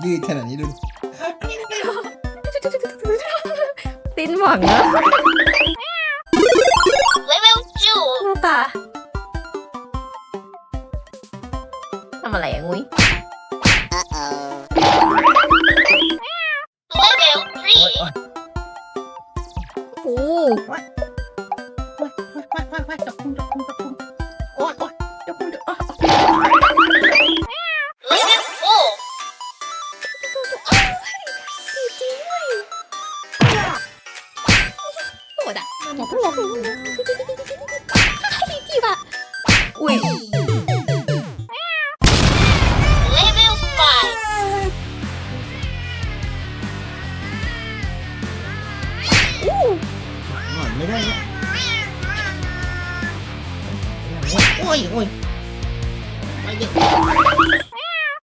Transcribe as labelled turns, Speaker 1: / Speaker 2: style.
Speaker 1: ยืดขนาดนี้ดู
Speaker 2: สิ้นหวังแล้ว
Speaker 3: Level
Speaker 2: หน้าตาทำอะไรอะงุ้ย
Speaker 3: 2. Level 3.
Speaker 2: โอ้
Speaker 3: Level 4.
Speaker 2: โหดอ่ะอย่าพูดจีบอ่ะอุ้ย
Speaker 3: Level 5.
Speaker 1: หน่อยไม่ได้เนี่ย
Speaker 2: โอ้ยโอ้ย
Speaker 1: ไปเด็ก